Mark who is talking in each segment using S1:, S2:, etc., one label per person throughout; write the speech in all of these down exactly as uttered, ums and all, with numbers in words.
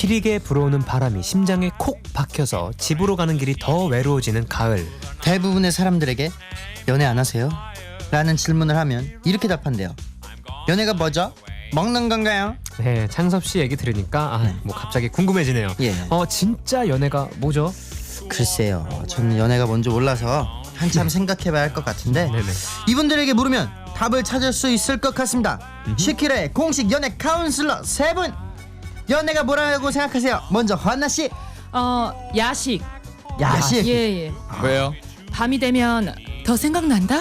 S1: 시리게 불어오는 바람이 심장에 콕 박혀서 집으로 가는 길이 더 외로워지는 가을.
S2: 대부분의 사람들에게 연애 안 하세요? 라는 질문을 하면 이렇게 답한대요. 연애가 뭐죠? 먹는 건가요?
S1: 네, 창섭 씨 얘기 들으니까 아, 뭐 갑자기 궁금해지네요.
S2: 예.
S1: 어, 진짜 연애가 뭐죠?
S2: 글쎄요, 저는 연애가 뭔지 몰라서 한참 생각해봐야 할 것 같은데
S1: 네네.
S2: 이분들에게 물으면 답을 찾을 수 있을 것 같습니다. 슈키라의 공식 연애 카운슬러 세 분, 연애가 뭐라고 생각하세요? 먼저 환나 씨.
S3: 어 야식.
S2: 야식.
S3: 예예.
S4: 왜요?
S3: 밤이 되면 더 생각난다.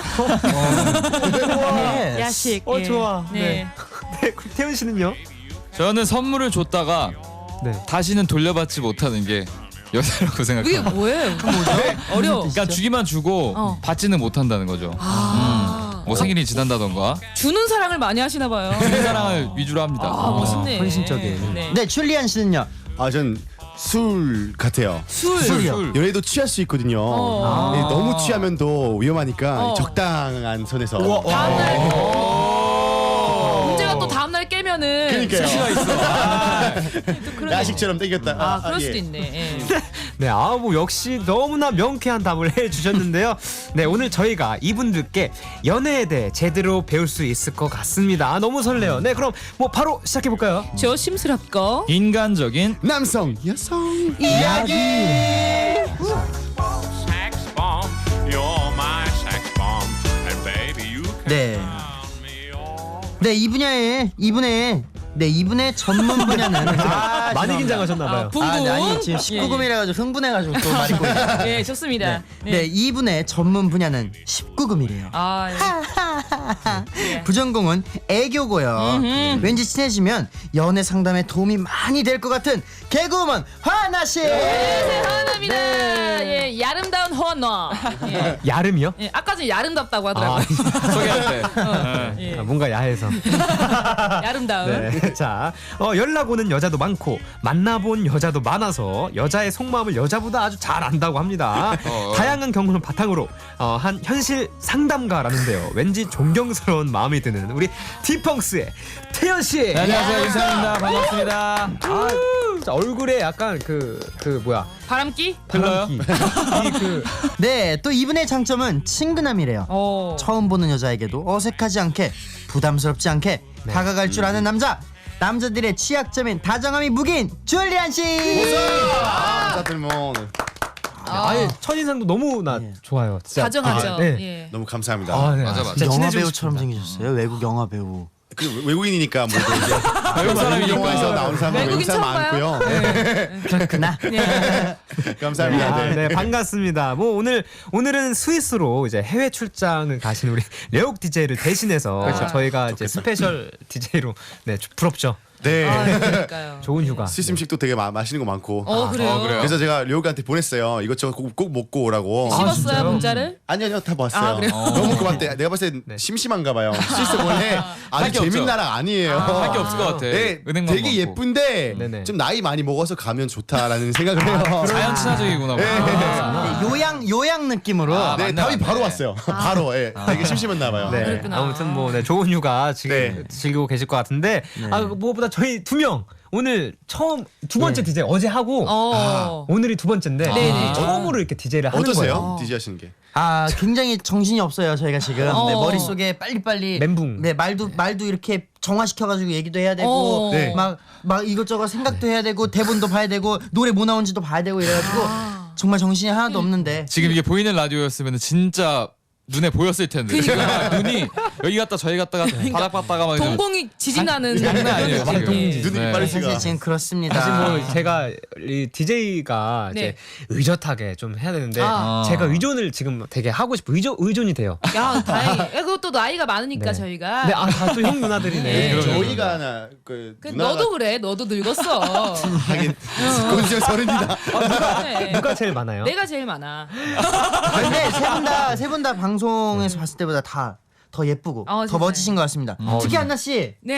S2: 예.
S3: 야식.
S1: 어,
S3: 예.
S1: 좋아.
S3: 네.
S1: 네. 네, 그럼 태훈 씨는요?
S4: 저는 선물을 줬다가
S1: 네.
S4: 다시는 돌려받지 못하는 게 연애라고
S3: 이게
S4: 생각합니다.
S3: 뭐예요? 어려워.
S4: 그러니까 주기만 주고
S3: 어.
S4: 받지는 못한다는 거죠.
S3: 아.
S4: 뭐 생일이 지난다던가
S3: 주는 사랑을 많이 하시나 봐요.
S4: 주는 사랑을 위주로 합니다.
S3: 아, 멋있네.
S1: 헌신적인.
S3: 네.
S2: 네, 줄리안 씨는요?
S5: 아, 전 술 같아요.
S3: 술.
S2: 술이요?
S5: 연애도 취할 수 있거든요.
S3: 어.
S5: 네, 너무 취하면 또 위험하니까
S3: 어.
S5: 적당한 선에서.
S3: 다음날 문제가 또 다음날 깨면은
S5: 그러니까요.
S3: 수시가 있어. 아, 또 그런
S5: 야식처럼 땡겼다.
S3: 아, 그럴
S5: 예.
S3: 수도 있네. 예.
S1: 네, 아, 뭐 역시 너무나 명쾌한 답을 해주셨는데요. 네, 오늘 저희가 이분들께 연애에 대해 제대로 배울 수 있을 것 같습니다. 아, 너무 설레요. 네, 그럼 뭐 바로 시작해 볼까요?
S3: 조심스럽고
S4: 인간적인
S5: 남성, 여성.
S2: 이야기.
S6: Sex bomb, you're my sex bomb, and baby you can
S2: 네. 네, 이 분야에 이분의 네, 이분의 전문 분야는 아,
S1: 많이
S2: 죄송합니다.
S1: 긴장하셨나 봐요.
S3: 아, 붕붕.
S2: 아, 네, 아니 지금 십구 금이라가지고 흥분해가지고 또 말이 꼬이네요.
S3: 예, 예, 좋습니다.
S2: 네, 네, 이분의 전문 분야는 십구 금이래요.
S3: 아, 예. 예.
S2: 부전공은 애교고요. 왠지 친해지면 연애 상담에 도움이 많이 될 것 같은 개그우먼 화나 씨.
S3: 하나입니다. 예, 야름다운 허너. 예.
S1: 야름이요?
S3: 예, 아까 전에 야름답다고
S1: 아,
S3: 하더라고요.
S4: 소개할 때.
S3: 예.
S1: 아, 뭔가 야해서.
S3: 야름다운.
S1: 네. 자, 어, 연락 오는 여자도 많고 만나본 여자도 많아서 여자의 속마음을 여자보다 아주 잘 안다고 합니다.
S4: 어.
S1: 다양한 경험을 바탕으로 어, 한 현실 상담가라는데요. 왠지 존경스러운 마음이 드는 우리 디펑스의 태연 씨.
S4: 네, 안녕하세요, 인사입니다. 반갑습니다.
S1: 아, 진짜 얼굴에 약간 그 그 뭐야
S3: 바람기?
S4: 들려요?
S1: 이그
S2: 네, 또 이분의 장점은 친근함이래요.
S3: 어.
S2: 처음 보는 여자에게도 어색하지 않게 부담스럽지 않게 다가갈 줄 아는 남자. 남자들의 취약점인 다정함이 무기인 줄리안 씨.
S5: 다들 뭐
S1: 아예 첫인상도 너무나
S2: 예.
S1: 좋아요. 진짜.
S3: 다정하죠.
S1: 아, 네.
S3: 예.
S5: 너무 감사합니다.
S1: 아, 네.
S4: 맞아,
S1: 아,
S4: 맞아.
S1: 진짜
S2: 영화
S1: 친해지고
S2: 배우처럼
S1: 싶습니다.
S2: 생기셨어요. 외국 영화 배우.
S5: 그 외국인이니까 뭐 이제
S4: 외국 사람이니까.
S5: 영화에서 나온 사람 외국
S3: 외국인
S5: 사람
S3: 처음 봐요?
S5: 많고요.
S2: 그렇구나.
S5: 감사합니다.
S1: 아,
S5: 네.
S1: 네, 반갑습니다. 뭐 오늘 오늘은 스위스로 이제 해외 출장을 가신 우리 레옥 디제이를 대신해서
S3: 그렇죠.
S1: 저희가 이제 스페셜 디제이로 네, 부럽죠.
S5: 네.
S3: 아, 그러니까요.
S1: 좋은 휴가.
S5: 스위스 음식도 되게 마, 맛있는 거 많고.
S3: 어, 그래요.
S4: 어, 그래요?
S5: 그래서 제가 료우한테 보냈어요. 이것저것 꼭, 꼭 먹고 오라고.
S1: 아,
S3: 씹었어요,
S1: 진짜요?
S3: 문자를?
S5: 아니요, 아니요, 다 봤어요.
S3: 아, 그래요?
S5: 너무 그만대. 내가 봤을 때
S1: 네.
S5: 심심한가 봐요. 스위스 원래 아주
S4: 게
S5: 재밌는
S4: 없죠.
S5: 나라 아니에요.
S4: 할 게 없을 것 같아.
S5: 네,
S4: 은행만
S5: 되게
S4: 많고.
S5: 예쁜데
S1: 네네.
S5: 좀 나이 많이 먹어서 가면 좋다라는 생각을 해요.
S4: 자연 친화적이구나.
S5: 네.
S4: 아.
S2: 네, 요양 요양 느낌으로.
S4: 아,
S5: 네,
S4: 맞네,
S5: 답이
S4: 맞네.
S5: 바로 왔어요. 바로. 예. 되게 심심했나 봐요.
S1: 네,
S3: 그랬구나.
S1: 아무튼 뭐 네, 좋은 휴가 지금
S5: 네.
S1: 즐기고 계실 것 같은데 아 무엇보다 저희 두 명 오늘 처음 두 번째
S2: 네.
S1: 디제이 어제 하고
S3: 어.
S1: 오늘이 두 번째인데
S3: 네네.
S1: 처음으로 이렇게 디제이를 하는
S5: 어떠세요?
S1: 거예요.
S5: 디제이 하시는 게?
S2: 아, 굉장히 정신이 없어요. 저희가 지금
S3: 어.
S2: 네, 머릿속에 빨리빨리
S1: 멘붕.
S2: 네, 말도 말도 이렇게 정화시켜가지고 얘기도 해야 되고
S3: 어.
S5: 네.
S2: 막 막 이것저것 생각도 해야 되고 대본도 봐야 되고 노래 뭐 나온지도 봐야 되고 이래가지고 정말 정신이 하나도 없는데
S4: 지금 이게 보이는 라디오였으면 진짜 눈에 보였을 텐데. 제가 눈이 여기 갔다 저기 갔다가 바닥 봤다가 막
S3: 동공이 지진 나는
S4: 장난 아니에요,
S3: 그런
S4: 지금.
S3: 느낌.
S5: 눈이
S4: 네.
S5: 빨리
S2: 사실
S5: 시가.
S2: 지금 그렇습니다.
S1: 사실 뭐 제가 이 디제이가
S3: 네.
S1: 이제 의젓하게 좀 해야 되는데
S3: 아.
S1: 제가 의존을 지금 되게 하고 싶어 의존 의존이 돼요.
S3: 야, 다행히. 야, 그것도 나이가 많으니까
S1: 네.
S3: 저희가.
S1: 네, 아다 또 형 누나들이네.
S3: 네.
S5: 저희가 하나 그
S3: 그
S5: 누나가
S3: 너도 그래. 너도 늙었어.
S5: 하긴 곧 이제 서른이다.
S3: 네.
S1: 누가 제일 많아요?
S3: 내가 제일 많아.
S2: 근데 세 분 다 세 분 다 방송에서 봤을 때보다 다 더 예쁘고
S3: 어,
S2: 더
S3: 세상에.
S2: 멋지신 것 같습니다.
S1: 어,
S2: 특히
S1: 네.
S2: 한나 씨
S3: 네.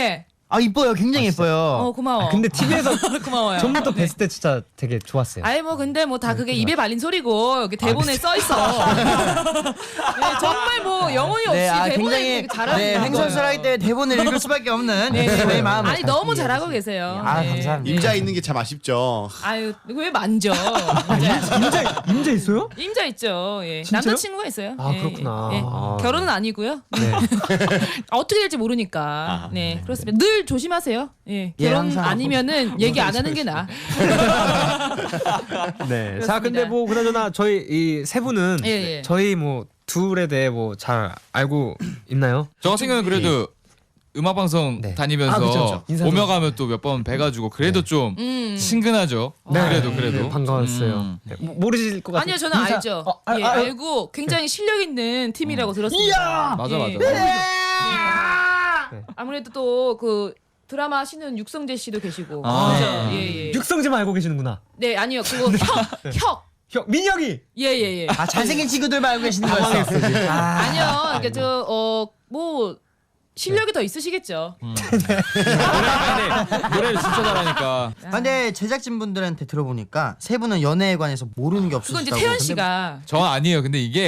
S2: 아 이뻐요. 굉장히 예뻐요.
S3: 어 고마워.
S1: 아, 근데 티비에서
S3: 고마워요.
S1: 전부터 뵀을 때 진짜 되게 좋았어요.
S3: 아이 뭐 근데 뭐 다 그게 입에 발린 소리고 여기 대본에 써 있어. 네, 정말 뭐 영혼이 없이
S2: 네, 아,
S3: 대본에
S2: 굉장히
S3: 되게 잘하고
S2: 네,
S3: 있는
S2: 횡설수설하기
S3: 거예요.
S2: 때문에 대본을 읽을 수밖에 없는
S3: 네,
S2: 네,
S3: 네.
S2: 저희 마음을
S3: 아니
S2: 잘
S3: 너무
S2: 이해해
S3: 잘하고
S2: 주세요.
S3: 계세요.
S2: 아,
S3: 네.
S2: 감사합니다.
S5: 임자 있는 게 참 아쉽죠.
S3: 아유 왜 만져? 임자,
S1: 임자 임자 있어요?
S3: 임자 있죠. 예.
S1: 진짜요?
S3: 남자친구가 있어요.
S1: 아,
S3: 예,
S1: 그렇구나.
S3: 예.
S1: 아,
S3: 결혼은 아니고요.
S1: 네.
S3: 어떻게 될지 모르니까. 네 그렇습니다. 늘 조심하세요. 예.
S2: 예,
S3: 결혼
S2: 항상.
S3: 아니면은 얘기 안 하는 게 나.
S1: 네.
S3: 그렇습니다.
S1: 자, 근데 뭐 그나저나 저희 이 세 분은
S3: 예, 예.
S1: 저희 뭐 둘에 대해 뭐 잘 알고 있나요?
S4: 저 같은 경우는 그래도 음악 방송
S1: 네.
S4: 다니면서
S1: 아, 그쵸, 그쵸. 인사도-
S4: 오며 가면 또 몇 번 뵈가지고 그래도 좀
S3: 음.
S4: 친근하죠. 그래도 그래도
S1: 네, 반가웠어요.
S4: 음.
S1: 네, 모- 모르실 것 같아요.
S3: 아니요 저는
S1: 인사-
S3: 알죠.
S1: 어, 아,
S3: 예,
S1: 아, 아,
S3: 알고 굉장히 실력 있는 팀이라고 들었습니다.
S4: 맞아
S3: 예.
S4: 맞아.
S1: 네.
S3: 아무래도 또 그 드라마 하시는 육성재 씨도 계시고.
S4: 아.
S3: 그죠? 예, 예.
S1: 육성재만 알고 계시는구나.
S3: 네 아니요 그거 혁 혁.
S1: 형 민혁이.
S3: 예예 예.
S2: 아 잘생긴 친구들만 알고 계시는 거였어. 아,
S3: 아니요 이게 저어뭐 실력이 더 있으시겠죠.
S4: 노래를 진짜 잘하니까.
S2: 아, 근데 제작진 분들한테 들어보니까 세 분은 연애에 관해서 모르는 게
S3: 그건 이제
S2: 없으시다고.
S3: 태연 씨가
S4: 저 아니에요. 근데 이게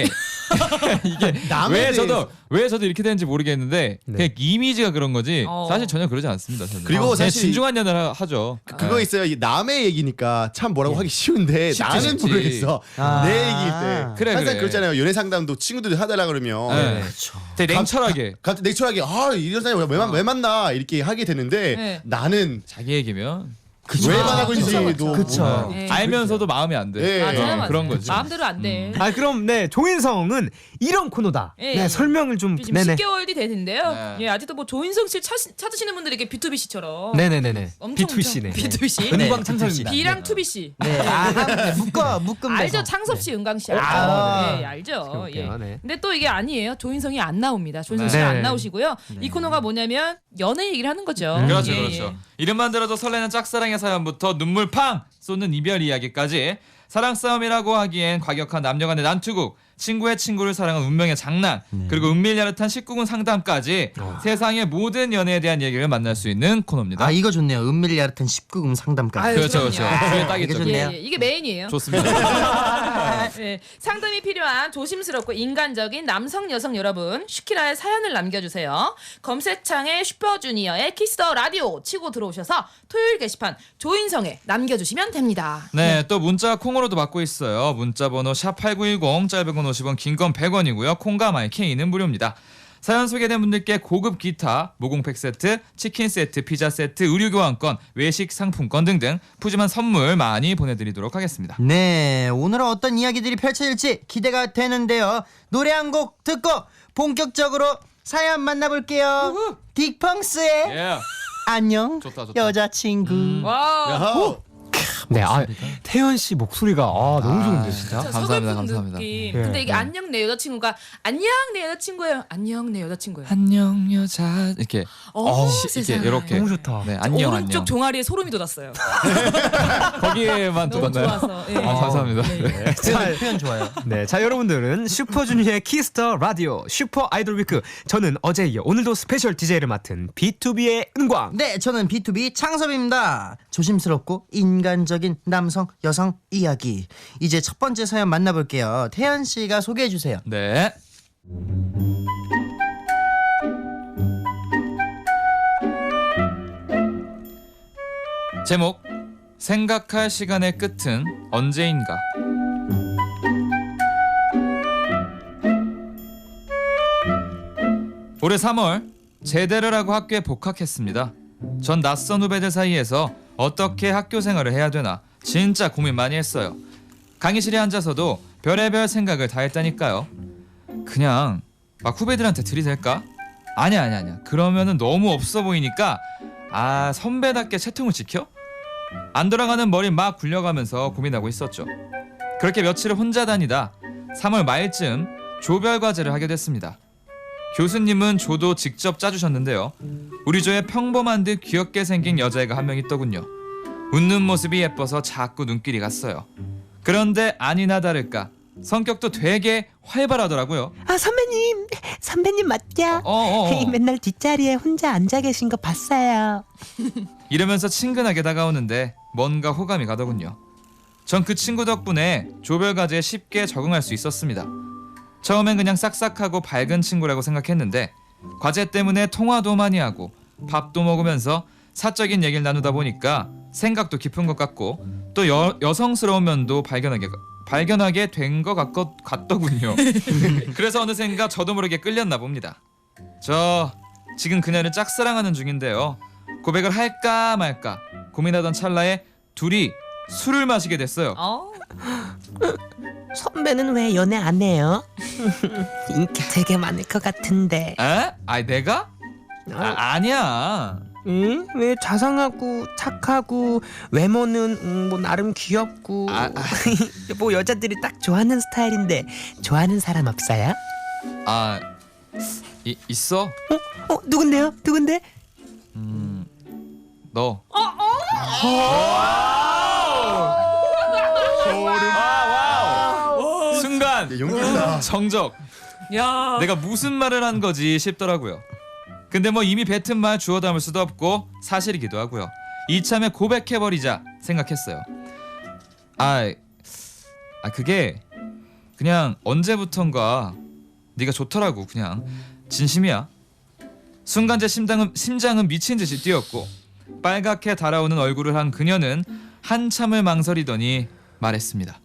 S4: 이게
S5: 남에
S4: 왜
S5: 대해서-
S4: 저도 왜 저도 이렇게 되는지 모르겠는데
S1: 네.
S4: 그냥 이미지가 그런 거지
S3: 어.
S4: 사실 전혀 그러지 않습니다. 저는.
S5: 그리고
S4: 그냥
S5: 사실
S4: 진중한 연애를 하- 하죠.
S5: 그거 있어요. 이 남의 얘기니까 참 뭐라고 하기 쉬운데
S4: 쉽지,
S5: 나는
S4: 쉽지.
S5: 모르겠어.
S2: 아.
S5: 내 얘기일 때
S4: 그래,
S5: 항상
S4: 그래.
S5: 그렇잖아요. 연애 상담도 친구들이 하달라 그러면
S4: 네. 되게 냉철하게
S5: 갑자기 냉철하게 아 이런 사람이 왜, 만- 왜 만나 이렇게 하게 되는데
S3: 네.
S5: 나는
S4: 자기 얘기면
S5: 왜 만나고
S3: 그쵸,
S5: 있는지도
S2: 그쵸.
S5: 몰라요.
S3: 네.
S4: 알면서도 마음이 안 돼.
S5: 예.
S3: 맞아요,
S4: 어,
S3: 맞아요.
S4: 그런 거지.
S3: 마음대로 안 돼.
S1: 아 그럼 네 조인성은 이런 코너다.
S3: 예,
S1: 네
S3: 예.
S1: 설명을 좀
S3: 지금
S1: 네네.
S3: 십 개월 뒤 되는데요.
S4: 네.
S3: 예, 아직도 뭐 조인성 씨 찾, 찾으시는 분들이 이렇게 비투비 씨처럼
S1: 네네네네.
S3: 엄청
S1: 비투비 씨네.
S3: 비투비 씨.
S1: 은광 참석입니다.
S3: 비랑 투비 씨.
S2: 네, 아, 네, 묶어 묶음.
S3: 알죠? 창섭 씨, 은광 씨.
S2: 아.
S3: 알죠? 예, 알죠.
S1: 볼게요.
S3: 예.
S1: 네.
S3: 근데 또 이게 아니에요. 조인성이 안 나옵니다. 조인성
S4: 네.
S3: 씨가
S1: 네.
S3: 안 나오시고요. 이 코너가 뭐냐면 연애 얘기를 하는 거죠.
S4: 그렇죠,
S3: 예,
S4: 그렇죠.
S3: 예.
S4: 이름만 들어도 설레는 짝사랑의 사연부터 눈물 팡 쏟는 이별 이야기까지 사랑 싸움이라고 하기엔 과격한 남녀간의 난투극, 친구의 친구를 사랑한 운명의 장난, 그리고 은밀 야릇한 십구 금 상담까지 세상의 모든 연애에 대한 얘기를 만날 수 있는 코너입니다.
S2: 아 이거 좋네요. 은밀 야릇한 십구 금 상담까지.
S3: 아유,
S4: 그렇죠,
S3: 그럼요.
S4: 그렇죠. 뒤에 딱
S2: 이게
S4: 있죠.
S2: 좋네요.
S3: 예, 예. 이게 메인이에요.
S4: 좋습니다.
S3: 네, 상담이 필요한 조심스럽고 인간적인 남성 여성 여러분 슈키라의 사연을 남겨주세요. 검색창에 슈퍼주니어의 키스더 라디오 치고 들어오셔서 토요일 게시판 조인성에 남겨주시면 됩니다.
S4: 네, 또 문자 콩으로도 받고 있어요. 문자 번호 샵팔구일공, 짧은 건 오십 원, 긴 건 백 원이고요. 콩과 마이케이는 무료입니다. 사연 소개된 분들께 고급 기타, 모공팩 세트, 치킨 세트, 피자 세트, 의류 교환권, 외식 상품권 등등 푸짐한 선물 많이 보내드리도록 하겠습니다.
S2: 네, 오늘은 어떤 이야기들이 펼쳐질지 기대가 되는데요. 노래 한 곡 듣고 본격적으로 사연 만나볼게요. 딕펑스의
S4: 예.
S2: 안녕
S4: 좋다, 좋다.
S2: 여자친구.
S3: 와,
S5: 야호.
S1: 네, 아 태연 씨 목소리가 아 너무 좋은데 진짜.
S3: 진짜
S4: 감사합니다,
S3: 서글픈
S4: 감사합니다.
S3: 느낌.
S1: 예,
S3: 근데 이게
S1: 예.
S3: 안녕 내 여자친구가 안녕 내 여자친구예요. 안녕 내 여자친구예요.
S4: 안녕 여자 이렇게
S3: 어,
S4: 시-
S3: 세상에.
S4: 이렇게 이렇게
S1: 너무 좋다.
S4: 네, 안녕
S3: 오른쪽
S4: 안녕.
S3: 종아리에 소름이 돋았어요.
S4: 거기에만
S3: 너무
S4: 돋았나요?
S3: 좋아서. 예.
S4: 아, 감사합니다.
S3: 예, 예.
S2: 표현, 표현 좋아요.
S1: 네, 자 여러분들은 슈퍼주니어의 키스터 라디오 슈퍼 아이돌 위크. 저는 어제 이어 오늘도 스페셜 디제이를 맡은 비투비의 은광.
S2: 네, 저는 비투비 창섭입니다. 조심스럽고 인간적인 남성 여성 이야기. 이제 첫 번째 사연 만나볼게요. 태연 씨가 소개해 주세요.
S4: 네. 제목 생각할 시간의 끝은 언제인가. 올해 삼월 제대를 하고 학교에 복학했습니다. 전 낯선 후배들 사이에서 어떻게 학교 생활을 해야 되나 진짜 고민 많이 했어요. 강의실에 앉아서도 별의별 생각을 다 했다니까요. 그냥 막 후배들한테 들이댈까? 아니야 아니야 아니야. 그러면은 너무 없어 보이니까 아 선배답게 채통을 지켜? 안 돌아가는 머리 막 굴려가면서 고민하고 있었죠. 그렇게 며칠을 혼자 다니다 삼월 말쯤 조별 과제를 하게 됐습니다. 교수님은 조도 직접 짜주셨는데요. 우리 조에 평범한 듯 귀엽게 생긴 여자애가 한 명 있더군요. 웃는 모습이 예뻐서 자꾸 눈길이 갔어요. 그런데 아니나 다를까 성격도 되게 활발하더라고요.
S7: 아 선배님, 선배님 맞죠?
S4: 어, 어, 어.
S7: 맨날 뒷자리에 혼자 앉아 계신 거 봤어요.
S4: 이러면서 친근하게 다가오는데 뭔가 호감이 가더군요. 전 그 친구 덕분에 조별 과제에 쉽게 적응할 수 있었습니다. 처음엔 그냥 싹싹하고 밝은 친구라고 생각했는데 과제 때문에 통화도 많이 하고 밥도 먹으면서 사적인 얘기를 나누다 보니까 생각도 깊은 것 같고 또 여, 여성스러운 면도 발견하게 발견하게 된 것 같더군요. 그래서 어느샌가 저도 모르게 끌렸나 봅니다. 저 지금 그녀를 짝사랑하는 중인데요. 고백을 할까 말까 고민하던 찰나에 둘이 술을 마시게 됐어요.
S3: 어?
S7: 선배는 왜 연애 안 해요? 인기 되게 많을 것 같은데.
S4: 에? 아니 내가? 아, 아니야.
S7: 응? 왜 자상하고 착하고 외모는 음, 뭐 나름 귀엽고
S4: 아,
S7: 뭐 여자들이 딱 좋아하는 스타일인데 좋아하는 사람 없어요?
S4: 아 이, 있어?
S7: 어? 어? 누군데요? 누군데?
S4: 음, 너. 순간
S5: 야, 용기 있다.
S4: 정적.
S3: 야.
S4: 내가 무슨 말을 한 거지 싶더라고요. 근데 뭐 이미 뱉은 말 주워 담을 수도 없고 사실이기도 하고요. 이참에 고백해버리자 생각했어요. 아, 아 그게 그냥 언제부턴가 네가 좋더라고. 그냥 진심이야. 순간 제 심장은, 심장은 미친 듯이 뛰었고 빨갛게 달아오는 얼굴을 한 그녀는 한참을 망설이더니 말했습니다.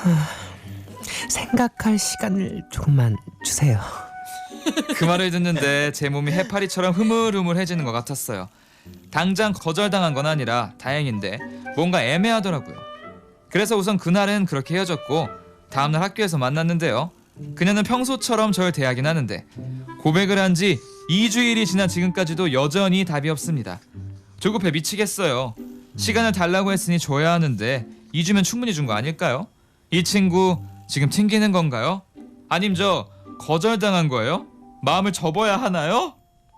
S7: 생각할 시간을 조금만 주세요.
S4: 그 말을 듣는데 제 몸이 해파리처럼 흐물흐물해지는 것 같았어요. 당장 거절당한 건 아니라 다행인데 뭔가 애매하더라고요. 그래서 우선 그날은 그렇게 헤어졌고 다음날 학교에서 만났는데요. 그녀는 평소처럼 저를 대하긴 하는데 고백을 한 지 이 주일이 지난 지금까지도 여전히 답이 없습니다. 조급해 미치겠어요. 시간을 달라고 했으니 줘야 하는데 이 주면 충분히 준 거 아닐까요? 이 친구 지금 튕기는 건가요? 아님 저 거절당한 거예요? 마음을 접어야 하나요?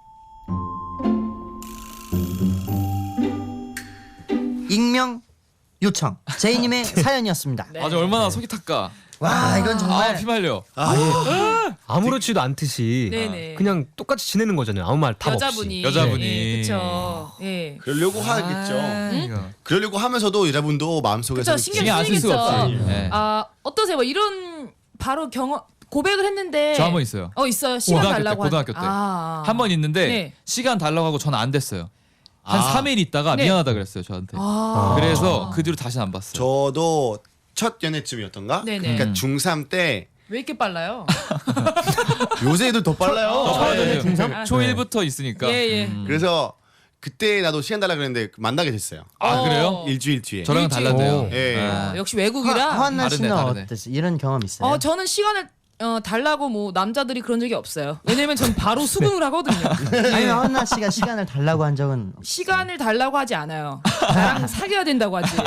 S2: 익명 요청 제이님의 사연이었습니다.
S3: 네.
S4: 아주 얼마나 속이 탔까.
S2: 와 이건
S4: 아
S2: 정말
S4: 피말려.
S5: 아, 예.
S1: 아무렇지도 않듯이
S3: 네네.
S1: 그냥 똑같이 지내는 거잖아요. 아무 말 답
S3: 여자분이.
S1: 없이.
S4: 여자분이.
S3: 예, 그쵸. 예.
S5: 그러려고 하겠죠.
S4: 아, 이거.
S5: 그러려고 하면서도 여자분도 마음속에서
S3: 그쵸. 신경
S4: 신경 안 쓸 수
S3: 쓰이겠죠.
S4: 없지. 네.
S3: 아 어떠세요? 뭐 이런 바로 경험 고백을 했는데.
S4: 저 한 번 있어요.
S3: 어 있어요. 시간
S4: 고등학교 때,
S3: 달라고.
S4: 고등학교 때.
S3: 아.
S4: 한 번 있는데
S3: 네.
S4: 시간 달라고 하고 저는 안 됐어요. 한
S5: 아.
S4: 삼 일 있다가
S3: 네.
S4: 미안하다 그랬어요 저한테.
S3: 아.
S4: 그래서 그 뒤로 다시는 안 봤어요.
S5: 저도 첫 연애쯤이었던가?
S3: 네네.
S5: 그러니까
S4: 음.
S5: 중삼 때
S3: 왜 이렇게 빨라요?
S5: 요새 애들 더 빨라요.
S4: 어,
S5: 네.
S4: 네.
S3: 중삼?
S4: 초일부터 있으니까.
S3: 예 예.
S4: 음.
S5: 그래서 그때 나도 시간 달라 그랬는데 만나게 됐어요.
S4: 아
S3: 어.
S4: 그래요?
S5: 일주일 뒤에.
S4: 저랑은
S3: 일주일.
S4: 달랐대요.
S5: 예.
S4: 아.
S3: 어, 역시 외국이라.
S2: 허한나
S4: 다르네,
S2: 씨는
S4: 다르네.
S2: 어땠어요? 이런 경험 있어요?
S3: 어 저는 시간을 어, 달라고 뭐 남자들이 그런 적이 없어요. 왜냐면 전 바로 수긍을 하거든요.
S2: 아니면 허한나 씨가 시간을 달라고 한 적은
S3: 시간을 달라고 하지 않아요. 나랑 사귀어야 된다고 하지.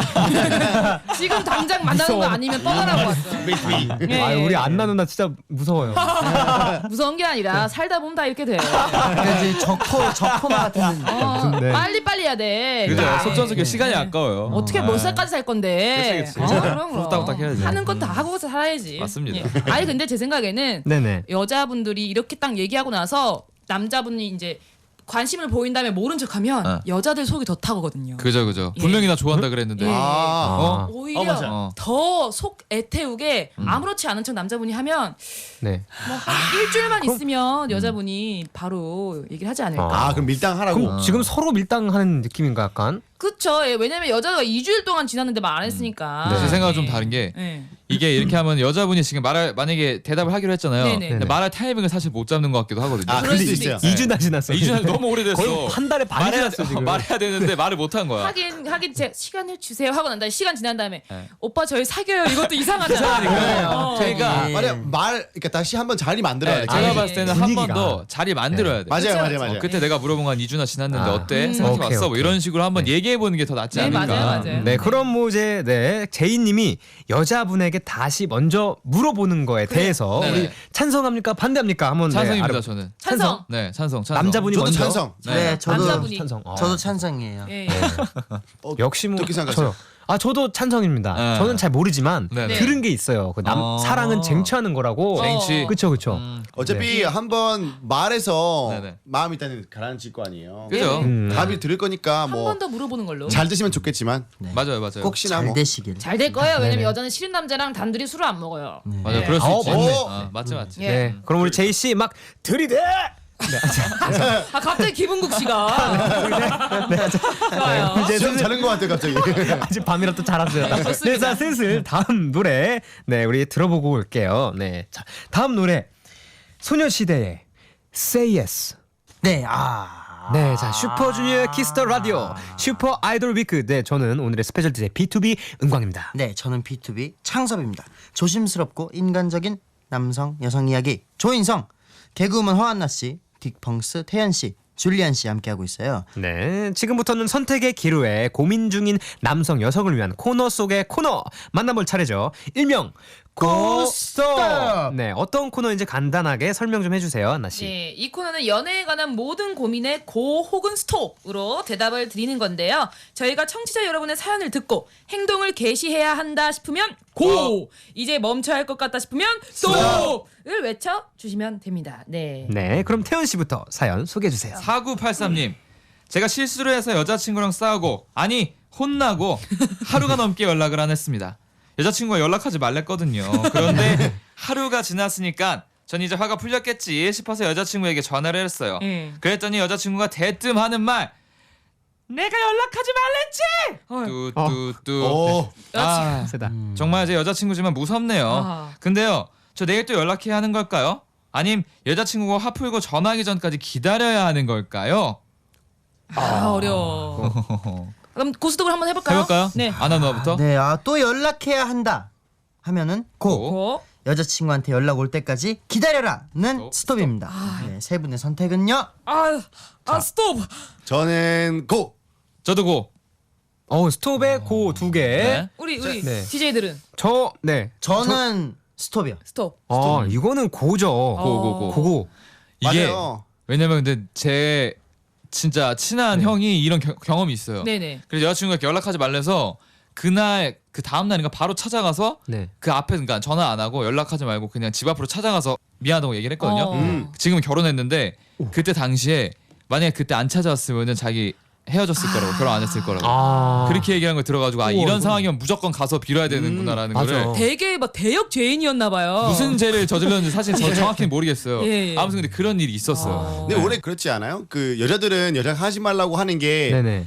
S3: 지금 당장 만나는 거 아니면 떠나라고 왔어. 예,
S1: 아,
S3: 예.
S1: 우리 안나 누나 진짜 무서워요.
S3: 무서운 게 아니라 살다 보면 다 이렇게 돼.
S2: 그러니까 이제 적토 적토마 같은
S3: 어,
S1: 네.
S3: 빨리 빨리 해야 돼.
S4: 그죠?
S3: 예.
S4: 속전속결 시간이 아까워요.
S3: 어떻게 몇 살까지 살 건데?
S4: 그치, 그치.
S3: 어, 그럼 그럼.
S4: 후딱후딱 해야지.
S3: 하는 건 다 하고 살아야지.
S4: 맞습니다.
S3: 예. 아니 근데 제 생각에는
S1: 네네.
S3: 여자분들이 이렇게 딱 얘기하고 나서 남자분이 이제 관심을 보인 다음에 모른 척하면
S4: 어.
S3: 여자들 속이 더 타거든요.
S4: 그죠 그죠.
S3: 예.
S4: 분명히 나 좋아한다 그랬는데.
S3: 예.
S5: 아.
S4: 어?
S3: 오히려
S5: 어, 맞아.
S4: 어.
S3: 더 속 애태우게 아무렇지 않은 척 남자분이 하면
S1: 네.
S3: 뭐 한 일주일만 있으면 여자분이 바로 얘기를 하지 않을까.
S5: 아 그럼 밀당하라고.
S1: 그럼 지금 서로 밀당하는 느낌인가 약간?
S3: 그쵸. 예, 왜냐면 여자가 이 주일 동안 지났는데 말 안 했으니까.
S1: 네.
S4: 제 생각은 좀
S3: 예.
S4: 다른 게
S3: 예.
S4: 이게 이렇게 하면 여자분이 지금 말할 만약에 대답을 하기로 했잖아요.
S3: 네네.
S4: 근데 말할 타이밍을 사실 못 잡는 것 같기도 하거든요.
S5: 아
S3: 그럴
S5: 그럴 수도
S3: 수도
S5: 있어요.
S3: 있어요.
S1: 이 주나 지났어.
S4: 이 주는 너무 오래됐어.
S1: 거의 한 달에 반이
S4: 말해야,
S1: 지났어 지금.
S4: 말해야 되는데 말을 못 한 거야.
S3: 하긴 하긴 제 시간을 주세요 하고 난 다음에 시간 지난 다음에
S4: 네.
S3: 오빠 저희 사귀어요 이것도 이상하잖아.
S4: 이상하니까.
S3: 어.
S4: 그러니까
S2: 예.
S5: 말이야 말 그러니까 다시 한번 자리 만들어야
S4: 네,
S5: 돼.
S4: 제가
S3: 아,
S4: 봤을 때는
S3: 예.
S4: 한 번
S1: 분위기가.
S4: 더 자리 만들어야 돼.
S5: 맞아요,
S3: 그쵸?
S5: 맞아요, 맞아요.
S4: 어, 그때 내가 물어본 건 이 주나 지났는데
S1: 아.
S4: 어때?
S3: 음.
S4: 생각해봤어?
S1: 오케이,
S4: 뭐
S1: 오케이.
S4: 이런 식으로 한번 얘기해 보는 게 더 낫지
S3: 네,
S4: 않을까?
S3: 맞아요, 맞아요.
S1: 네, 그럼 뭐 이제 네 제이님이 여자분에게 다시 먼저 물어보는 거에 대해서
S4: 네네.
S1: 우리 찬성합니까 반대합니까? 한번
S4: 찬성입니다,
S1: 네, 알아-
S4: 저는.
S3: 찬성.
S4: 네, 찬성, 찬성.
S1: 남자분이
S5: 저도
S1: 먼저.
S5: 찬성.
S2: 네, 저도
S3: 남자분이.
S1: 찬성. 어.
S2: 저도 찬성이에요.
S3: 예, 예.
S5: 어,
S1: 역시 뭐
S5: 어떻게 생각하세요?
S1: 저요. 아 저도 찬성입니다.
S4: 네.
S1: 저는 잘 모르지만
S4: 네네.
S1: 들은 게 있어요. 그 남
S4: 어.
S1: 사랑은 쟁취하는 거라고.
S4: 쟁취.
S1: 그쵸 그쵸.
S4: 음,
S5: 어차피 한번 말해서
S4: 네네.
S5: 마음이 일단은 가라앉을 거 아니에요.
S4: 그죠?
S1: 음.
S5: 답이 들을 거니까
S3: 한
S5: 뭐
S3: 번 더 물어보는 걸로.
S5: 잘 드시면 좋겠지만
S4: 맞아요, 맞아요.
S5: 혹시나
S2: 잘
S5: 뭐
S2: 되시길.
S3: 잘 될 거예요. 왜냐면
S1: 네네.
S3: 여자는 싫은 남자랑 단둘이 술을 안 먹어요.
S4: 맞아요.
S3: 네.
S4: 그럴 수
S1: 아,
S4: 있지.
S1: 맞네.
S4: 어, 맞지, 맞지.
S3: 예.
S1: 네. 그럼 우리 제이 씨 막 들이대.
S3: 아 갑자기 김은국 씨가 좋아요.
S1: 이제
S5: 시험
S1: 슬슬
S5: 자는 것 같아요 갑자기.
S1: 아직 밤이라 또 잘 왔어요. 네,
S3: 좋습니다.
S1: 자 슬슬 다음 노래 네 우리 들어보고 올게요. 네, 자 다음 노래 소녀시대의 Say Yes.
S2: 네, 아.
S1: 네, 자 슈퍼주니어의 키스터 라디오 슈퍼 아이돌 위크. 네, 저는 오늘의 스페셜 디제이 비투비 은광입니다.
S2: 네, 저는 비투비 창섭입니다. 조심스럽고 인간적인 남성 여성 이야기 조인성, 개그우먼 허한나 씨, 딕펑스 태연 씨, 줄리안 씨 함께하고 있어요.
S1: 네, 지금부터는 선택의 기로에 고민 중인 남성 여성을 위한 코너 속의 코너 만나볼 차례죠. 일명 고스톱. 네, 어떤 코너인지 간단하게 설명 좀 해주세요, 한나 씨.
S3: 네, 이 코너는 연애에 관한 모든 고민에 고 혹은 스톱으로 대답을 드리는 건데요. 저희가 청취자 여러분의 사연을 듣고 행동을 개시해야 한다 싶으면 고, 이제 멈춰야 할 것 같다 싶으면 스톱을 외쳐 주시면 됩니다. 네.
S1: 네, 그럼 태연 씨부터 사연 소개해 주세요.
S4: 사구팔삼님, 제가 실수를 해서 여자친구랑 싸우고 아니 혼나고 하루가 넘게 연락을 안 했습니다. 여자친구가 연락하지 말랬거든요. 그런데 하루가 지났으니까 전 이제 화가 풀렸겠지 싶어서 여자친구에게 전화를 했어요.
S3: 음.
S4: 그랬더니 여자친구가 대뜸 하는 말, 내가 연락하지 말랬지. 뚜뚜뚜.
S5: 오.
S4: 아,
S1: 세다.
S4: 정말 제 여자친구지만 무섭네요.
S3: 아.
S4: 근데요, 저 내일 또 연락해야 하는 걸까요? 아님 여자친구가 화 풀고 전화하기 전까지 기다려야 하는 걸까요?
S3: 아, 어려워. 그럼 고스톱을 한번 해볼까요?
S4: 해볼까요?
S3: 네.
S4: 아나 누나부터.
S2: 네, 아, 또 연락해야 한다 하면은 고.
S3: 고.
S2: 여자친구한테 연락 올 때까지 기다려라는
S4: 고.
S2: 스톱입니다. 네, 세 분의 선택은요?
S3: 아, 아 스톱.
S5: 저는 고.
S4: 저도 고.
S1: 어, 스톱에 고 두 개.
S4: 네.
S3: 우리 우리
S1: 네.
S3: 디제이들은
S1: 저 네.
S2: 저는 스톱이요.
S3: 스톱.
S1: 아, 이거는 고죠.
S4: 고고고.
S1: 고고.
S4: 이게
S5: 맞아요.
S4: 왜냐면 근데 제 진짜 친한 형이 이런 겨- 경험이 있어요.
S3: 네네.
S4: 그래서 여자친구가 이렇게 연락하지 말래서 그날 그 다음 날인가 바로 찾아가서
S1: 네.
S4: 그 앞에 그러니까 전화 안 하고 연락하지 말고 그냥 집 앞으로 찾아가서 미안하다고 얘기를 했거든요.
S3: 어.
S5: 음.
S4: 지금은 결혼했는데 그때 당시에 만약에 그때 안 찾아왔으면은 자기 헤어졌을 거라고 결혼 안 했을 거라고
S1: 아.
S4: 그렇게 얘기한 걸 들어가지고 아
S1: 우와,
S4: 이런
S1: 이건-
S4: 상황이면 무조건 가서 빌어야 되는구나라는
S1: 맞아.
S4: 거를
S3: 되게 막 대역 죄인이었나 봐요.
S4: 무슨 죄를 저질렀는지 사실 저 정확히는 모르겠어요.
S3: 예, 예.
S4: 아무튼 근데 그런 일이 있었어요.
S5: 근데 원래 그렇지 않아요? 그 여자들은 연락하지 말라고 하는 게
S1: 네네.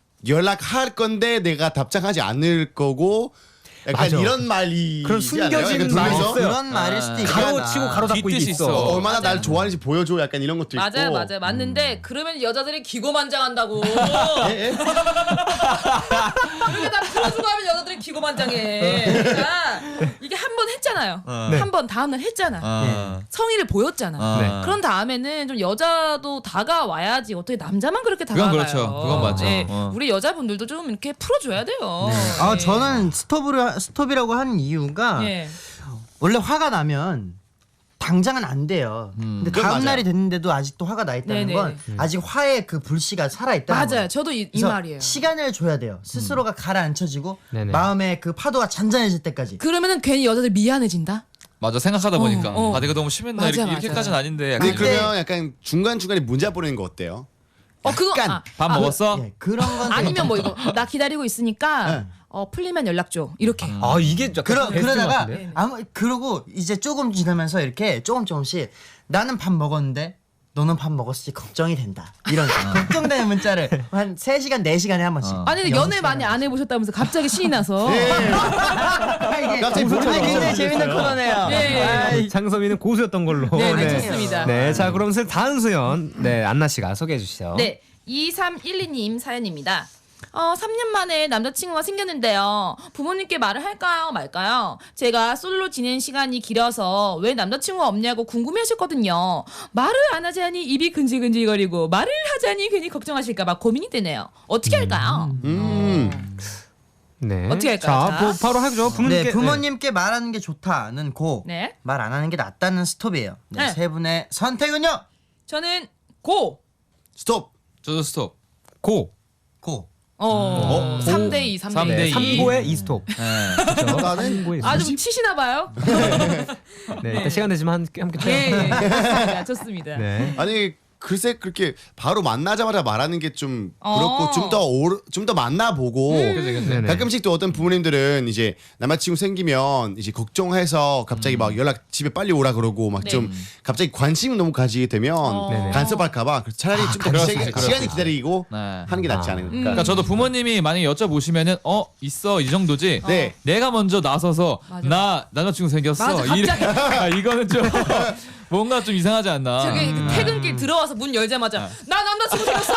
S5: 연락할 건데 내가 답장하지 않을 거고 약간
S1: 맞아.
S5: 이런 말이
S1: 그런 숨겨진 말이 있어요.
S2: 그런 말일 수도 있겠다.
S1: 가로치고 가로 닫고 이게
S4: 뒷뜻이
S1: 있어.
S4: 있어.
S5: 얼마나
S3: 맞아요.
S5: 날 좋아하는지 보여줘 약간 이런 것도 있고.
S3: 맞아요, 맞아요, 맞는데 그러면 여자들이 기고만장한다고.
S5: 예, 예.
S3: 그렇게 다 풀어주고 하면 여자들이 기고만장해. 그러니까 이게 한 번 했잖아요.
S1: 네.
S3: 한 번 다음날 했잖아.
S4: 아.
S3: 성의를 보였잖아.
S4: 아.
S1: 네.
S3: 그런 다음에는 좀 여자도 다가와야지 어떻게 남자만 그렇게
S4: 그건
S3: 다가가요.
S4: 그렇죠. 그건 맞죠.
S3: 네,
S4: 어.
S3: 우리 여자분들도 좀 이렇게 풀어줘야 돼요.
S2: 아,
S3: 네.
S2: 저는 스톱으로 스톱이라고 한 이유가
S3: 예.
S2: 원래 화가 나면 당장은 안 돼요. 근데
S5: 그건
S2: 다음
S5: 맞아요.
S2: 날이 됐는데도 아직도 화가 나 있다는
S3: 네네.
S2: 건 아직 화의 그 불씨가 살아 있다는 거예요.
S3: 맞아요. 저도 이, 이
S2: 그래서
S3: 말이에요.
S2: 시간을 줘야 돼요. 스스로가 가라앉혀지고
S1: 네네.
S2: 마음의 그 파도가 잔잔해질 때까지.
S3: 그러면은 괜히 여자들 미안해진다.
S4: 맞아 생각하다 보니까
S3: 어, 어.
S4: 아 내가 너무 심했나
S3: 맞아,
S4: 이렇게,
S3: 맞아.
S4: 이렇게까지는 아닌데 약간
S5: 근데
S2: 근데-
S5: 그러면 약간 중간 중간에 문자 보내는 거 어때요?
S3: 어 그거
S5: 약간
S3: 아,
S4: 밥
S3: 아,
S4: 먹었어?
S2: 예, 그런 건
S3: 아니면 뭐 이거 나 기다리고 있으니까
S2: 네.
S3: 어 풀리면 연락 줘 이렇게.
S1: 아, 이게 약간
S2: 그러
S1: 베스트
S2: 그러다가
S1: 같은데?
S2: 아무 그러고 이제 조금 지나면서 이렇게 조금 조금씩 나는 밥 먹었는데 너는 밥 먹었을지 걱정이 된다. 이런 걱정되는 문자를 한 세 시간 네 시간에 한 번씩.
S4: 어.
S3: 아니 근데 연애 많이 안 해보셨다면서 갑자기 신이 나서.
S2: 아, 이게
S5: 갑자기 모르는
S2: 아니, 굉장히
S5: 거
S2: 재밌는 코너네요.
S3: 예.
S2: 아이,
S1: 장섭이는 고수였던 걸로.
S3: 네, 네, 좋습니다.
S1: 네, 자 그럼 슬 다음 수연 네 안나 씨가 소개해 주시죠.
S3: 네, 이삼일이 님 사연입니다. 어, 삼 년 만에 남자친구가 생겼는데요. 부모님께 말을 할까요, 말까요? 제가 솔로 지낸 시간이 길어서 왜 남자친구가 없냐고 궁금해하셨거든요. 말을 안 하자니 입이 근질근질거리고 말을 하자니 괜히 걱정하실까봐 고민이 되네요. 어떻게 할까요?
S5: 음.
S1: 네.
S3: 어떻게 할까요?
S1: 자,
S3: 자.
S1: 뭐, 바로 하죠. 부모님께.
S2: 네, 부모님께 말하는 게 좋다는 고.
S3: 네.
S2: 말 안 하는 게 낫다는 스톱이에요. 네,
S3: 네.
S2: 세 분의 선택은요?
S3: 저는 고!
S5: 스톱.
S4: 저도 스톱.
S1: 고.
S2: 고.
S3: 어, 삼 대 이, 삼 대 이.
S4: 삼 대 이.
S1: 삼 고에 이 스톱.
S4: 네.
S5: 나는
S3: 아주 치시나 봐요.
S1: 네, 일단 시간 되지만 함께 함께 쳐요.
S3: 네, 좋습니다. 좋습니다.
S1: 네.
S5: 아니 글쎄 그렇게 바로 만나자마자 말하는 게 좀
S3: 어.
S5: 그렇고 좀 더 좀 더 만나보고
S4: 그치, 그치.
S1: 네네.
S5: 가끔씩 또 어떤 부모님들은 이제 남자친구 생기면 이제 걱정해서 갑자기 막 연락 집에 빨리 오라 그러고 막
S3: 네.
S5: 좀 갑자기 관심을 너무 가지게 되면
S1: 네네.
S5: 간섭할까봐 그래서 차라리 좀 더
S4: 그럴 수
S5: 시간이,
S4: 있지, 그럴
S5: 시간이
S4: 수
S5: 기다리고
S4: 네.
S5: 하는 게 낫지
S1: 아.
S5: 않을까.
S4: 그러니까 저도 부모님이 만약에 여쭤보시면은 어 있어 이 정도지.
S5: 네.
S4: 내가 먼저 나서서
S3: 맞아.
S4: 나 남자친구 생겼어.
S3: 맞아,
S4: 이래-
S3: 갑자기.
S4: 아, 이거는 좀 뭔가 좀 이상하지 않나.
S3: 저기
S4: 음.
S3: 퇴근길 들어와서 문 열자마자 나 남자친구 생겼어.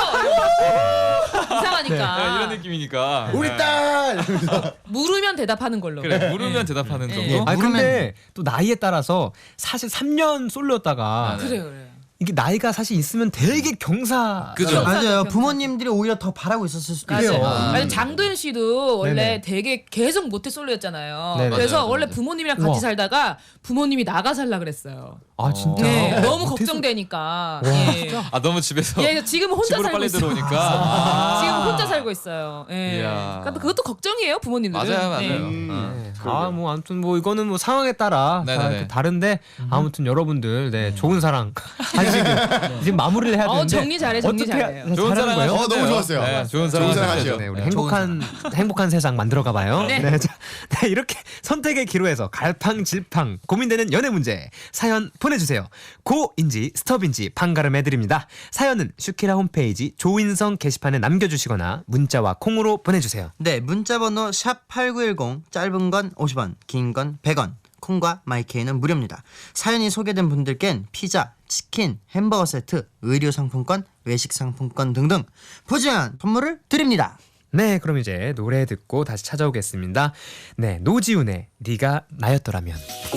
S3: 이상하니까.
S4: 네, 이런 느낌이니까.
S5: 우리
S4: 네.
S5: 딸.
S3: 물으면 대답하는 걸로.
S4: 그래 물으면 대답하는
S3: 네.
S4: 정도.
S2: 예.
S1: 아
S2: 모르면-
S1: 근데 또 나이에 따라서 사실 삼 년 솔로였다가
S4: 아, 네.
S3: 그래 그래.
S1: 이게 나이가 사실 있으면 되게 경사.
S4: 그죠.
S3: 경사.
S2: 맞아요.
S3: 경사.
S2: 부모님들이 오히려 더 바라고 있었을 수도
S1: 그래요.
S2: 있어요.
S4: 아.
S3: 아니 장도연 씨도 원래
S1: 네네.
S3: 되게 계속 모태 솔로였잖아요.
S1: 네네.
S3: 그래서
S4: 맞아요,
S3: 원래
S4: 맞아요.
S3: 부모님이랑 같이
S1: 우와.
S3: 살다가 부모님이 나가 살라 그랬어요.
S1: 아 진짜.
S3: 네,
S1: 어,
S3: 너무
S1: 모태솔-
S3: 걱정되니까. 예.
S4: 아 너무 집에서
S3: 예, 지금은 혼자
S4: 집으로
S3: 살고
S4: 빨리
S3: 있어요.
S4: 들어오니까. 아.
S3: 지금 혼자 살고 있어요. 예.
S4: 이야.
S3: 그러니까 그것도 걱정이에요, 부모님들은.
S4: 맞아요, 맞아요.
S3: 네.
S5: 음.
S1: 아 뭐 아무튼 뭐 이거는 뭐 상황에 따라 다
S4: 네네네.
S1: 이렇게 다른데 아무튼 여러분들 네 좋은 사랑 하시길 지금 마무리를 해야
S3: 어,
S1: 되는데
S3: 정리 잘해, 정리
S1: 어떻게
S3: 잘해요.
S1: 네,
S4: 좋은
S1: 잘하는
S4: 사랑
S1: 거예요?
S5: 어, 너무 좋았어요.
S4: 네, 좋은
S5: 좋은
S4: 사랑
S5: 사랑
S4: 하셔야죠.
S5: 하셔요.
S1: 네, 우리
S2: 네,
S1: 행복한 행복한 세상 만들어 가봐요.
S3: 네.
S1: 네. 자, 네, 이렇게 선택의 기로에서 갈팡질팡 고민되는 연애 문제 사연 보내주세요. 고인지 스톱인지 판가름해 드립니다. 사연은 슈키라 홈페이지 조인성 게시판에 남겨주시거나 문자와 콩으로 보내주세요.
S2: 네, 문자번호 샵 팔구일공, 짧은 건 오십 원, 긴 건 백 원, 콩과 마이케이는 무료입니다. 사연이 소개된 분들께는 피자, 치킨, 햄버거 세트, 의류 상품권, 외식 상품권 등등 푸짐한 선물을 드립니다.
S1: 네, 그럼 이제 노래 듣고 다시 찾아오겠습니다. 네, 노지훈의 네가 나였더라면.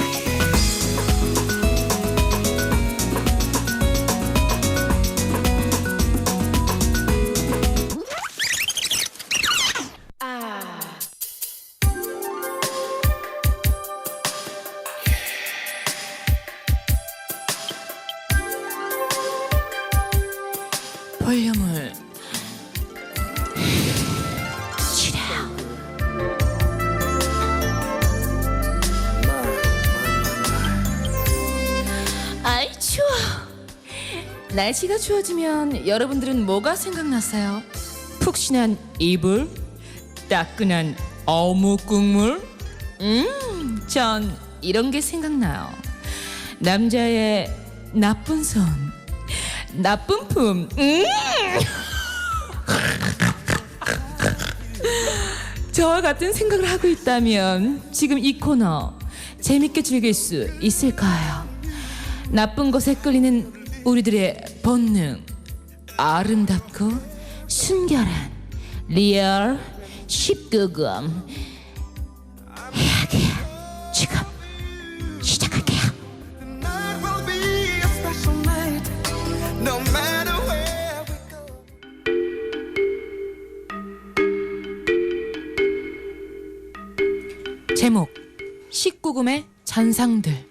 S3: 볼륨을 아이 추워. 날씨가 추워지면 여러분들은 뭐가 생각나세요? 푹신한 이불, 따끈한 어묵 국물. 음, 전 이런 게 생각나요. 남자의 나쁜 손, 나쁜 품. 음. 저와 같은 생각을 하고 있다면 지금 이 코너 재밌게 즐길 수 있을까요? 나쁜 것에 끌리는 우리들의 본능, 아름답고 순결한 리얼 십구금 이야기 지금 시작할게요. 제목 십구금의 잔상들.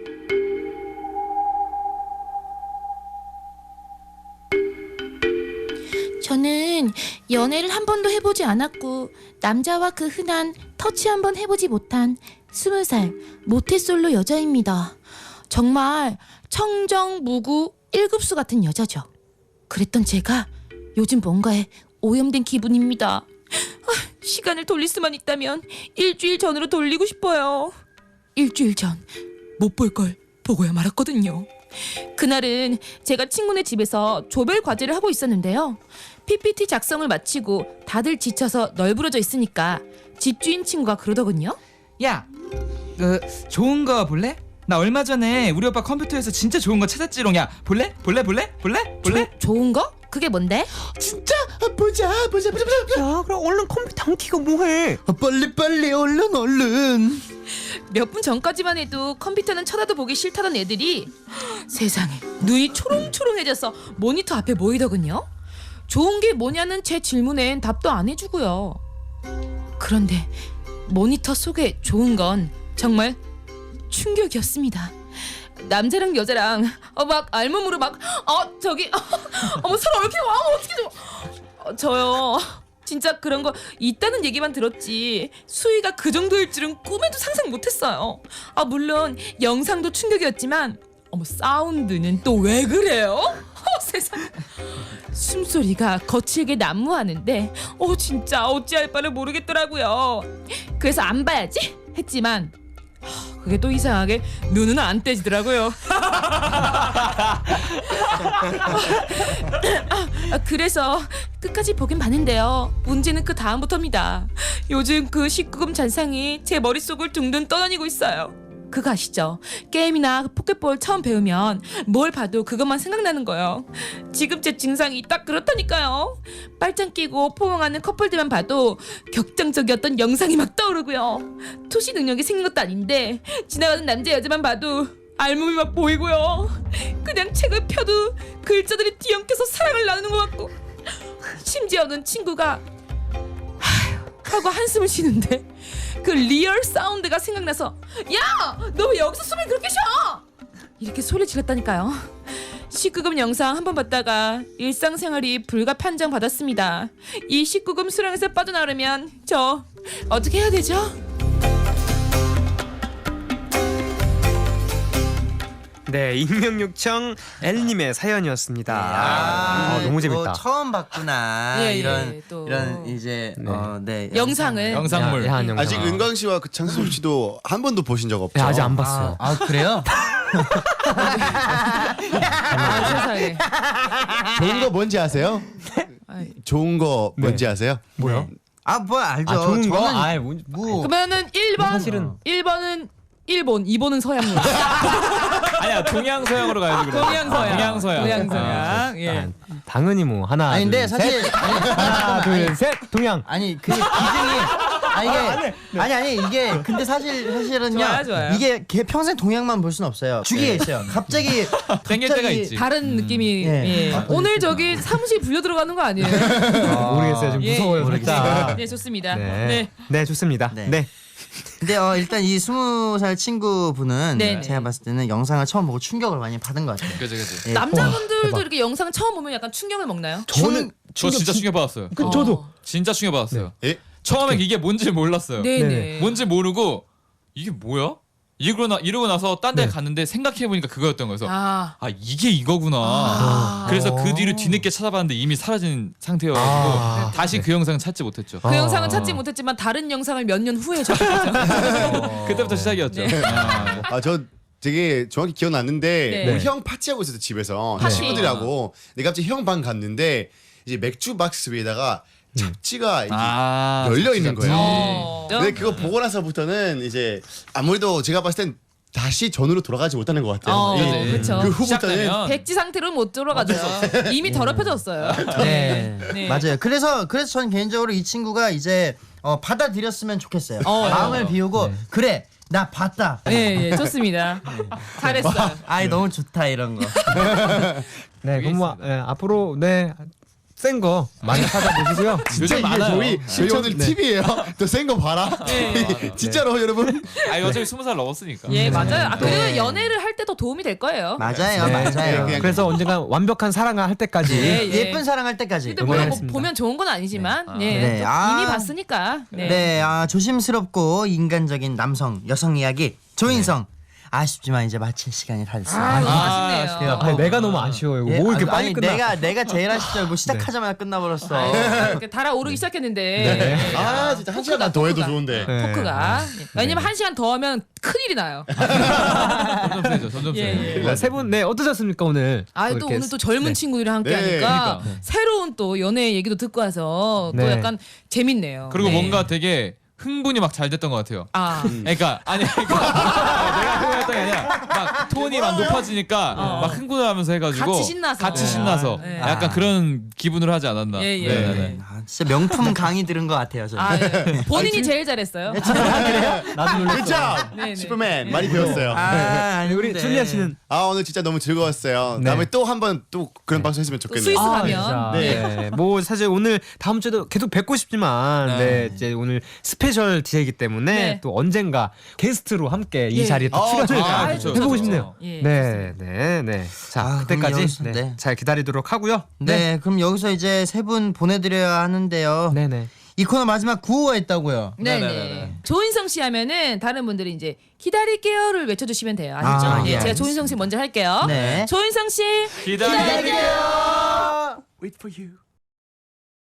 S8: 저는 연애를 한 번도 해보지 않았고 남자와 그 흔한 터치 한 번 해보지 못한 스무 살 모태솔로 여자입니다. 정말 청정무구 일급수 같은 여자죠. 그랬던 제가 요즘 뭔가에 오염된 기분입니다. 아, 시간을 돌릴 수만 있다면 일주일 전으로 돌리고 싶어요. 일주일 전 못 볼 걸 보고야 말았거든요. 그날은 제가 친구네 집에서 조별 과제를 하고 있었는데요. 피피티 작성을 마치고 다들 지쳐서 널브러져 있으니까 집주인 친구가 그러더군요.
S4: 야, 그 좋은 거 볼래? 나 얼마 전에 우리 오빠 컴퓨터에서 진짜 좋은 거 찾았지롱. 야, 볼래? 볼래? 볼래? 볼래? 볼래?
S8: 조, 좋은 거? 그게 뭔데?
S2: 진짜 보자 보자 보자 보자.
S1: 야, 그럼 얼른 컴퓨터 안 키고 뭐해?
S2: 아, 빨리 빨리 얼른 얼른.
S3: 몇 분 전까지만 해도 컴퓨터는 쳐다도 보기 싫다던 애들이 세상에 눈이 초롱초롱해져서 모니터 앞에 모이더군요. 좋은 게 뭐냐는 제 질문엔 답도 안 해주고요. 그런데 모니터 속에 좋은 건 정말 충격이었습니다. 남자랑 여자랑 어, 막 알몸으로 막 어 저기 어, 어머 서로 이렇게 와 어떻게 좀 어, 저요 진짜 그런 거 있다는 얘기만 들었지 수위가 그 정도일 줄은 꿈에도 상상 못했어요. 아 물론 영상도 충격이었지만 어머 사운드는 또 왜 그래요? 어, 세상. 숨소리가 거칠게 난무하는데 어 진짜 어찌할 바를 모르겠더라고요. 그래서 안 봐야지 했지만 하, 그게 또 이상하게 눈은 안 떼지더라고요. 아, 그래서 끝까지 보긴 봤는데요. 문제는 그 다음부터입니다. 요즘 그 십구 금 잔상이 제 머릿속을 둥둥 떠다니고 있어요. 그거 아시죠? 게임이나 포켓볼 처음 배우면 뭘 봐도 그것만 생각나는 거예요. 지금 제 증상이 딱 그렇다니까요. 빨짱 끼고 포옹하는 커플들만 봐도 격정적이었던 영상이 막 떠오르고요. 투시 능력이 생긴 것도 아닌데 지나가는 남자 여자만 봐도 알몸이 막 보이고요. 그냥 책을 펴도 글자들이 뒤엉켜서 사랑을 나누는 것 같고 심지어는 친구가 하휴 하고 한숨을 쉬는데 그 리얼 사운드가 생각나서 야! 너 왜 여기서 숨을 그렇게 쉬어? 이렇게 소리 질렀다니까요. 십구 금 영상 한 번 봤다가 일상생활이 불가 판정 받았습니다. 이 십구 금 수렁에서 빠져나오려면 저 어떻게 해야 되죠?
S1: 네, 익명 요청 엘님의 사연이었습니다.
S2: 아,
S1: 아, 너무
S2: 또
S1: 재밌다.
S2: 처음 봤구나.
S3: 예, 예,
S2: 이런
S3: 또.
S2: 이런 이제
S1: 네.
S2: 어, 네.
S3: 영상을
S4: 영상물.
S1: 야한 영상.
S5: 아직 은광 씨와 그 창섭 씨도 한 번도 보신 적 없죠?
S1: 네, 아직 안 봤어요.
S2: 아, 아 그래요?
S3: 아, 세상에.
S5: 좋은 거 뭔지 아세요?
S3: 아이.
S5: 좋은 거 뭔지 아세요?
S1: 뭐요?
S2: 아, 뭐 알죠.
S1: 아, 좋은 거?
S2: 저는
S1: 아, 뭐,
S2: 뭐
S3: 그러면은 일 번
S1: 사실은-
S3: 일 번은 일본, 이 번은 서양물.
S4: 아니야 동양 서양으로 가야지 그럼.
S3: 동양 서양.
S4: 동양 서양.
S3: 동양 서양. 예.
S1: 아, 당연히 뭐 하나.
S2: 아니 근데
S1: 둘,
S2: 사실 아니,
S1: 하나, 둘, 셋, 동양.
S2: 아니 그 기준이 아니 이게 아니 아니 이게 근데 사실 사실은요
S3: 좋아요, 좋아요.
S2: 이게 걔 평생 동양만 볼 수는 없어요. 주기가 있어요. 갑자기
S4: 땡길 때가 있지.
S3: 다른 느낌이.
S2: 예.
S3: 예. 오늘 저기 사무실 불려 들어가는 거 아니에요?
S1: 모르겠어요. 좀
S3: 예,
S1: 무서워요, 살짝.
S3: 네, 좋습니다.
S1: 네.
S3: 네.
S1: 네, 좋습니다.
S2: 네.
S1: 네.
S2: 근데 어 일단 이 스무 살 친구분은
S3: 네네.
S2: 제가 봤을 때는 영상을 처음 보고 충격을 많이 받은 것 같아요.
S4: 그지 그지.
S2: 예.
S3: 남자분들도
S1: 대박.
S3: 이렇게 영상 처음 보면 약간 충격을 먹나요?
S1: 저는
S4: 저 진짜 충격 받았어요.
S1: 그, 저도
S4: 진짜 충격 받았어요.
S5: 예?
S4: 처음에 이게 뭔지 몰랐어요.
S3: 네네.
S1: 네네.
S4: 뭔지 모르고 이게 뭐야? 이러고 나 이러고 나서 딴 데
S1: 네.
S4: 갔는데 생각해 보니까 그거였던 거여서 아,
S3: 아.
S4: 이게 이거구나.
S3: 아.
S4: 그래서 그 뒤로 뒤늦게 찾아봤는데 이미 사라진 상태여가지고
S1: 아.
S4: 다시 그 영상 찾지 못했죠.
S3: 그
S1: 아.
S3: 영상은 찾지 못했지만 다른 영상을 몇 년 후에 접했죠.
S4: 그때부터 시작이었죠.
S3: 네.
S4: 아.
S5: 아, 저 되게 정확히 기억났는데
S3: 네.
S5: 우리 형 파티하고 있었어 집에서
S3: 파티.
S5: 친구들하고. 내가 갑자기 형 방 갔는데 이제 맥주 박스 위에다가 잡지가 이렇게
S4: 아,
S5: 열려 있는
S4: 잡지,
S5: 거예요.
S3: 어.
S5: 근데 그거 보고 나서부터는 이제 아무래도 제가 봤을 땐 다시 전으로 돌아가지 못하는 것 같아요.
S3: 어,
S5: 이-
S3: 그렇죠.
S5: 그 후부터는
S4: 시작되면
S3: 백지 상태로 못 들어가죠. 이미 더럽혀졌어요.
S2: 네.
S3: 네.
S2: 맞아요. 그래서 그래서 저는 개인적으로 이 친구가 이제 어, 받아들였으면 좋겠어요.
S3: 어,
S2: 마음을
S3: 어.
S2: 비우고 그래 나 봤다.
S3: 예, 예, 좋습니다. 잘했어요.
S2: 아이 너무 좋다 이런 거.
S1: 네, 그럼 뭐 예, 앞으로 네. 센 거 많이 찾아보시고요.
S5: 진짜 이게
S4: 많아요.
S5: 저희 저희 오늘 팁이에요. 더 센 거 봐라.
S3: 네.
S5: 진짜로 여러분.
S4: 아 어차피 스무 살 넘었으니까.
S3: 예, 맞아요. 아, 그리고
S2: 네.
S3: 연애를 할 때 더 도움이 될 거예요.
S2: 맞아요,
S1: 네,
S2: 맞아요.
S5: 그냥-
S1: 그래서 언젠가 완벽한 사랑을 할 때까지
S3: 예, 예.
S2: 예쁜 사랑할 때까지.
S3: 근데 물론 뭐
S1: 응원하겠습니다.
S3: 보면 좋은 건 아니지만
S4: 네.
S3: 예,
S2: 네.
S3: 또
S2: 아.
S3: 이미 봤으니까. 네.
S2: 네, 아, 조심스럽고 인간적인 남성, 여성 이야기 조인성. 아쉽지만 이제 마칠 시간이 다 됐습니다.
S3: 아, 너무
S4: 아,
S3: 아쉽네요.
S1: 아니, 내가 너무 아쉬워요.
S2: 예,
S1: 뭐 이렇게
S2: 아니,
S1: 빨리
S2: 아니,
S1: 끝나?
S2: 내가 내가 제일 아쉽죠. 뭐 시작하자마자 끝나버렸어.
S3: 아, 이렇게 달아오르기 시작했는데
S1: 네.
S5: 아 진짜 한 시간만 더 해도
S3: 토크가.
S5: 좋은데.
S1: 네.
S3: 토크가 왜냐면 한 시간 더 하면 큰일이 나요.
S4: 점점 세죠. 점점
S3: 예,
S4: 세.
S3: 예.
S1: 세 분, 네, 어떠셨습니까, 오늘?
S3: 아, 또
S1: 이렇게
S3: 오늘 또 젊은
S1: 네.
S3: 친구들이랑 함께
S5: 네,
S3: 하니까
S4: 그러니까.
S3: 새로운 또 연애 얘기도 듣고 와서 또
S1: 네.
S3: 약간 재밌네요.
S4: 그리고
S3: 네.
S4: 뭔가 되게 흥분이 막 잘 됐던 것 같아요.
S3: 아,
S4: 그러니까 아니 그러니까 내가 흥분했던 게 아니라 막 톤이 막 높아지니까
S3: 어.
S4: 막 흥분을 하면서 해가지고
S3: 같이 신나서.
S4: 같이 신나서
S3: 네.
S4: 약간 그런 기분으로 하지 않았나.
S3: 예, 예.
S4: 네, 네, 네.
S2: 아, 진짜 명품 강의 들은 것 같아요. 저는.
S3: 아, 예. 본인이 제일 잘했어요.
S1: 나도 놀랐어.
S5: 그렇죠.
S3: 네, 네.
S5: 슈퍼맨 많이 배웠어요.
S2: 아, 아니,
S1: 우리 줄리아 씨는
S5: 아 오늘 진짜 너무 즐거웠어요.
S1: 네.
S5: 다음에 또 한 번 또 그런 방송 했으면 좋겠네요.
S3: 스위스
S1: 아,
S3: 가면.
S1: 진짜.
S5: 네.
S1: 네. 뭐 사실 오늘 다음 주에도 계속 뵙고 싶지만 네, 이제 오늘 스페셜 스페셜 디제이이기 때문에
S3: 네.
S1: 또 언젠가 게스트로 함께 이
S3: 예.
S1: 자리에 또
S5: 어,
S1: 출연을
S5: 아,
S3: 그렇죠,
S1: 해보고
S3: 그렇죠.
S1: 싶네요.
S3: 예,
S1: 네, 네, 네. 자,
S2: 아, 그럼
S1: 그때까지
S2: 여기서-
S1: 네,
S2: 네.
S1: 잘 기다리도록 하고요.
S2: 네, 그럼 여기서 이제 세 분 보내드려야 하는데요.
S1: 네, 네.
S2: 이 코너 마지막 구호가 있다고요.
S3: 네네.
S4: 네네네.
S3: 조인성 씨 하면은 다른 분들이 이제 기다릴게요를 외쳐주시면 돼요. 아시죠?
S2: 아,
S3: 네,
S2: 예,
S3: 제가
S2: 알겠습니다.
S3: 조인성 씨 먼저 할게요.
S2: 네.
S3: 조인성 씨
S4: 기다릴게요.
S5: Wait for you.